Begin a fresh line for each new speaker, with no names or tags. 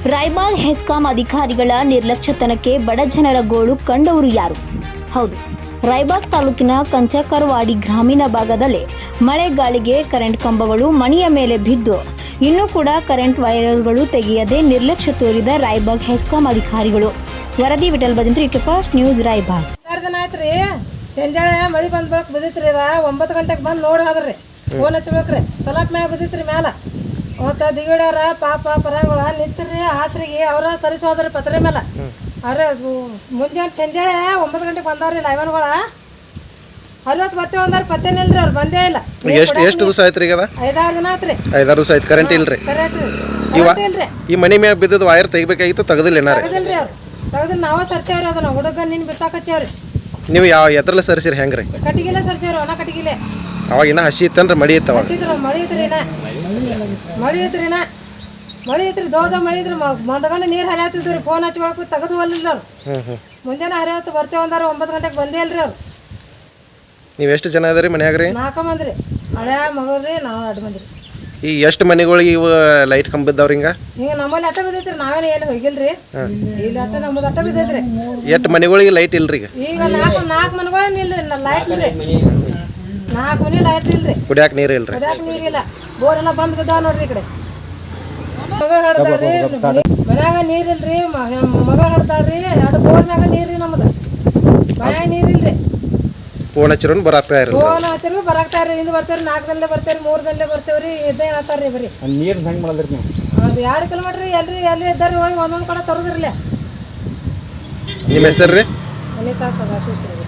ರಾಯಬಾಗ್ ಹೆಸ್ಕಾಂ ಅಧಿಕಾರಿಗಳ ನಿರ್ಲಕ್ಷ್ಯತನಕ್ಕೆ ಬಡ ಜನರ ಗೋಳು ಕಂಡವರು ಯಾರು? ಹೌದು, ರಾಯಬಾಗ್ ತಾಲೂಕಿನ ಕಂಚಕರವಾಡಿ ಗ್ರಾಮೀಣ ಭಾಗದಲ್ಲಿ ಮಳೆ ಗಾಳಿಗೆ ಕರೆಂಟ್ ಕಂಬಗಳು ಮನೆಯ ಮೇಲೆ ಬಿದ್ದು ಇನ್ನೂ ಕೂಡ ಕರೆಂಟ್ ವೈರ್ಗಳು ತೆಗೆಯದೆ ನಿರ್ಲಕ್ಷ್ಯ ತೋರಿದ ರಾಯಬಾಗ್ ಹೆಸ್ಕಾಂ ಅಧಿಕಾರಿಗಳು. ವರದಿ ವಿಠಲ್ ಬದಂತ್ರಿ, ಫಸ್ಟ್ ನ್ಯೂಸ್ ರಾಯಬಾಗ್.
ಚಂಜಾಳ ಮಳೆ ಬಂದ್ ಬಳಕ್ ಬಿದ್ದಿತ್ರಿ. 9 ಗಂಟೆಗೆ ಬಂದು ನೋಡಿ ಹೋದ್ರಿ, ಫೋನ್ ಹಚ್ಬೇಕ್ರಿ. ಸಲಪ್ ಮ್ಯಾಗ ಬಿದ್ದಿತ್ರಿ ಮ್ಯಾಲ. ಮತ್ತು ದಿಗಡ್ಯಾರ ಪಾಪ ಪರಂಗಳ ನಿಂತ್ರಿ ಹಾಸ್ರಿಗೆ ಅವ್ರ ಸರಿಸೋದ್ರಿ ಪತ್ರೆ ಮೇಲೆ. ಅರೆ ಮುಂಜಾನೆ ಚಂಜಾಳೆ 9 ಗಂಟೆಗೆ ಬಂದವ್ರಿ ಲೈವನ್ಗಳ. 60 ಬರ್ತೇವೆ ಅಂದಾರ ಪತ್ತೇನಿಲ್ರಿ, ಅವ್ರು ಬಂದೇ ಇಲ್ಲ.
ಎಷ್ಟು ದಿವಸ ಆಯ್ತು ಈಗ?
5-6 ದಿನ ಆತ್ರಿ.
5-6 ದಿವಸ ಆಯ್ತು ಕರೆಂಟ್ ಇಲ್ರಿ.
ಇಲ್ರಿ,
ಈ ಮನೆ ಮ್ಯಾಗ ಬಿದ್ದದ ವೈರ್ ತೆಗಿಬೇಕಾಗಿತ್ತು, ತೆಗದಿಲ್ಲ ಏನಾರ?
ತೆಗದಿಲ್ರಿ ಅವ್ರು. ತೆಗದಿಲ್ಲ, ನಾವ ಸರ್ಸೇವ್ರಿ. ಅದನ್ನ ಹುಡುಗ ನಿನ್ ಬಿಸಾಕಚ್ಚೇವ್ರಿ.
ನೀವು ಎದ್ರಲ್ಲ ಸರಿಸಿರಿ ಹೆಂಗ್ರಿ?
ಕಟ್ಟಿಗಿಲ್ಲ ಸರ್ಸೇವ್ರಿ, ಒಣ ಕಟ್ಟಿಗಿಲ್ಲ.
ಅವಾಗ ಇನ್ನ ಹಸಿ ಇತ್ತನ್ರಿ, ಮಳಿ ಇತ್ತವ?
ಮಳಿ ಐತ್ರಿ, ದೋದ ಮಳಿ ಇದ್ರಿ. ಮಂದಗಂಡು ನೀರು ಹರಿಯಾತಿದ್ರಿ. ಫೋನ್ ಹಚ್ಕೊಳಕ್ ತೆಗೆದು ಅಲ್ಲಿಲ್ಲ ಅವ್ರು. ಮುಂಜಾನೆ ಹರಿಯಾತು ಬರ್ತೇವೆ ಅಂದಾರ. 9 ಗಂಟೆಗೆ ಬಂದೇ ಇಲ್ರಿ ಅವ್ರು.
ನೀವು ಎಷ್ಟು ಜನ ಅದರಿ ಮನ್ಯಾಗ ರೀ?
4 ಮಂದಿ ರೀ. ಹಳೆ ಮಗಳ್ರಿ, ನಾವು 2 ಮಂದಿ ರೀ.
ಈ ಎಷ್ಟು ಮನೆಗಳಿಗೆ ಇವು ಲೈಟ್ ಕಂಬ ಬಿದ್ದಾವ್ರಿ? ಹಿಂಗ
ನಮ್ಮಲ್ಲಿ ಅಟ್ಟ ಬಿದ್ದೈತ್ರಿ, ನಾವೇನು ಏನು ಹೋಗಿಲ್ರಿ. ಇಲ್ಲಿ ಅಟ್ಟ ನಮ್ಮದು ಅಟ್ಟ ಬಿದ್ದೈತ್ರಿ.
ಎಷ್ಟು ಮನೆಗಳಿಗೆ ಲೈಟ್ ಇಲ್ರಿ?
ಈಗ 4 ಮನೆಗಳು ಇಲ್ರಿ, ಲೈಟ್ ಇಲ್ರಿ. 4 ಮನೆ ಲೈಟ್ ಇಲ್ರಿ.
ಕುಡಿಯಾಕ ನೀರು ಇಲ್ರಿ?
ಕುಡಿಯಾಕ ನೀರಿಲ್ಲ. ಬೋರ್ ಎಲ್ಲ ಬಂದ್ ಬಿದ್ದಾವ ನೋಡ್ರಿ. ಈ ಕಡೆ ಮಗಳು ಹಡ್ದಾಳ್ರಿ, ಮನ್ಯಾಗ ನೀರಿಲ್ರಿ. ಮಗಳು ಹಡ್ದಾಳ್ರಿ. 2 ಬೋರ್ ಮ್ಯಾಗ ನೀರ್ರಿ. ನಮ್ಮದು ಮನ್ಯಾಗ ನೀರಿಲ್ರಿ.
ಫೋನ್ ಹಚ್ಚಿರೋನು ಬರಾಕ್ತಾ ಇರಲ್ಲ?
ಫೋನ್ ಹಚ್ಚಿರು ಬರಾಕ್ತಾ ಇರ್ರಿ. ಹಿಂದೆ ಬರ್ತೇವ್ರಿ, 4 ದಿನ ಬರ್ತೇವ್ರಿ, 3 ದಿನ ಬರ್ತೇವ್ರಿ. ಇದೇ ಹೇಳ್ತಾರ್ರಿ ಬರೀ.
ನೀರು ಹೆಂಗೆ ಮಾಡಿದ್ರಿ ನೀವು?
2 ಕಿಲೋಮೀಟ್ರ್ ಎಲ್ಲಿ ಇದ್ದಾರಿ, ಹೋಗಿ ಒಂದೊಂದು ಕಡೆ ತರೋದ್ರಲ್ಲ.
ನಿಮ್ಮ ಹೆಸರು ರೀ?
ಅನಿತಾ ಸದಾಶಿವ.